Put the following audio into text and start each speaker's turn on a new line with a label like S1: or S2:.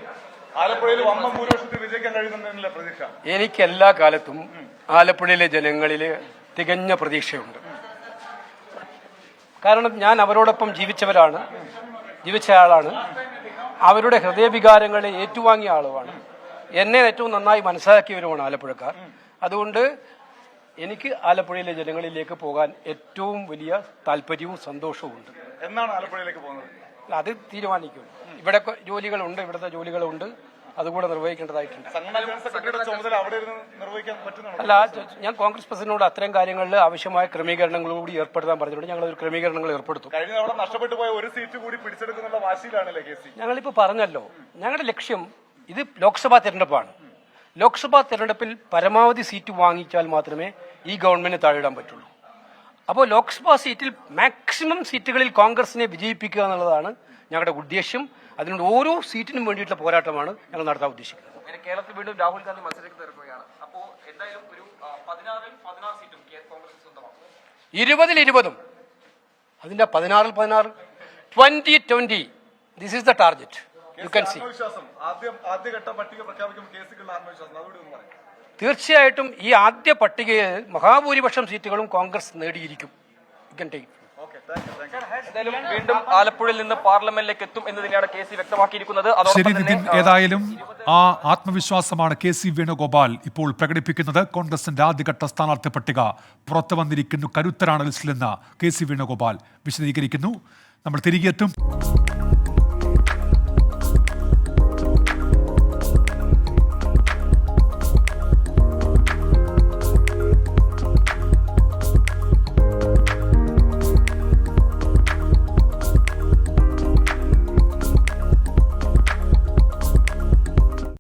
S1: ആലപ്പുഴയിൽ വമ്പൻ ഭൂരിപക്ഷത്തിൽ വിജയിക്കാൻ കഴിയുന്നതിനുള്ള പ്രതീക്ഷ
S2: എനിക്ക് എല്ലാ കാലത്തും ആലപ്പുഴയിലെ ജനങ്ങളില് തികഞ്ഞ പ്രതീക്ഷയുണ്ട്. കാരണം ഞാൻ അവരോടൊപ്പം ജീവിച്ച ആളാണ്. അവരുടെ ഹൃദയവികാരങ്ങളെ ഏറ്റുവാങ്ങിയ ആളുമാണ്. എന്നെ ഏറ്റവും നന്നായി മനസ്സിലാക്കിയവരുമാണ് ആലപ്പുഴക്കാർ. അതുകൊണ്ട് എനിക്ക് ആലപ്പുഴയിലെ ജനങ്ങളിലേക്ക് പോകാൻ ഏറ്റവും വലിയ താല്പര്യവും സന്തോഷവും ഉണ്ട്.
S1: എന്നാണ് ആലപ്പുഴയിലേക്ക് പോകുന്നത്?
S2: അത് തീരുമാനിക്കും. ഇവിടെ ജോലികളുണ്ട്, ഇവിടുത്തെ ജോലികളുണ്ട്, അതുകൂടെ നിർവഹിക്കേണ്ടതായിട്ടുണ്ട്. അല്ല, ഞാൻ കോൺഗ്രസ് പ്രസിഡന്റിനോട് അത്തരം കാര്യങ്ങളിൽ ആവശ്യമായ ക്രമീകരണങ്ങളോട് ഏർപ്പെടുത്താൻ പറഞ്ഞിട്ടുണ്ട്. ഞങ്ങൾ ഒരു ക്രമീകരണങ്ങൾ ഏർപ്പെടുത്തും.
S1: കഴിഞ്ഞ തവണ നഷ്ടപ്പെട്ടു പോയ ഒരു സീറ്റ് കൂടി പിടിച്ചെടുക്കുന്നുള്ള വാശിയിലാണല്ലേ കേസി?
S2: ഞങ്ങളിപ്പോൾ പറഞ്ഞല്ലോ, ഞങ്ങളുടെ ലക്ഷ്യം ഇത് ലോക്സഭാ തെരഞ്ഞെടുപ്പാണ്. ലോക്സഭാ തെരഞ്ഞെടുപ്പിൽ പരമാവധി സീറ്റ് വാങ്ങിച്ചാൽ മാത്രമേ ഈ ഗവൺമെന്റിന് താഴെയിടാൻ പറ്റുള്ളൂ. അപ്പോൾ ലോക്സഭാ സീറ്റിൽ മാക്സിമം സീറ്റുകളിൽ കോൺഗ്രസിനെ വിജയിപ്പിക്കുക എന്നുള്ളതാണ് ഞങ്ങളുടെ ഉദ്ദേശ്യം. അതിനുകൊണ്ട് ഓരോ സീറ്റിനും വേണ്ടിയിട്ടുള്ള പോരാട്ടമാണ് ഞങ്ങൾ നടത്താൻ ഉദ്ദേശിക്കുന്നത്.
S3: കേരളത്തിൽ വീണ്ടും രാഹുൽ ഗാന്ധി മത്സരിക്കുകയാണ്. അപ്പോൾ എന്തായാലും ഒരു 16 സീറ്റും കോൺഗ്രസ് സ്വന്തമാക്കും.
S2: 20-20 അതിന്റെ 16 2020 this is the target. You can see.
S1: ആദ്യഘട്ട പട്ടിക പ്രഖ്യാപിക്കുമ്പോൾ കേസുകളുടെ ആത്മവിശ്വാസം അതുകൂടി ഒന്ന് പറയാം.
S2: തീർച്ചയായിട്ടും ഈ ആദ്യ പട്ടികയിൽ മഹാഭൂരിപക്ഷം സീറ്റുകളും കോൺഗ്രസ് നേടിയിരിക്കും. You can take.
S3: എന്തായാലും വീണ്ടും ആലപ്പുഴയിൽ നിന്ന് പാർലമെന്റിലേക്ക് എത്തും എന്ന് തന്നെയാണ് കെ സി വ്യക്തമാക്കിയിരിക്കുന്നത്.
S4: ശരി നിതിൻ, ഏതായാലും ആ ആത്മവിശ്വാസമാണ് KC വേണുഗോപാൽ ഇപ്പോൾ പ്രകടിപ്പിക്കുന്നത്. കോൺഗ്രസിന്റെ ആദ്യഘട്ട സ്ഥാനാർത്ഥി പട്ടിക പുറത്തു വന്നിരിക്കുന്നു. കരുത്തരാണ് ലിസ്റ്റിലെന്ന് KC വേണുഗോപാൽ വിശദീകരിക്കുന്നു. നമ്മൾ തിരികെ എത്തും.